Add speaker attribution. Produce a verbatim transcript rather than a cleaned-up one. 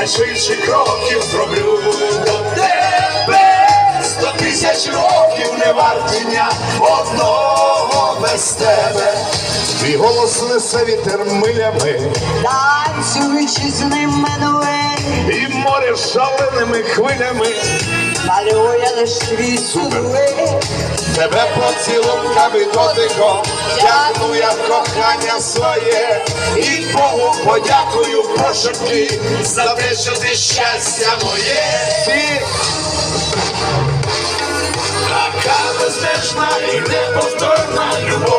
Speaker 1: найшвидші кроків зроблю до тебе. Сто тисяч років не варті дня одного без тебе. Твій голос несе вітер милями,
Speaker 2: танцюючи з ним менуель,
Speaker 1: і море шаленими хвилями
Speaker 2: малює лиш твій силует.
Speaker 1: Тебе поцілунками дотиком тягну я в кохання своє, і Богу подякую пошепки за те, що ти щастя моє. Ти така безмежна і неповторна любов.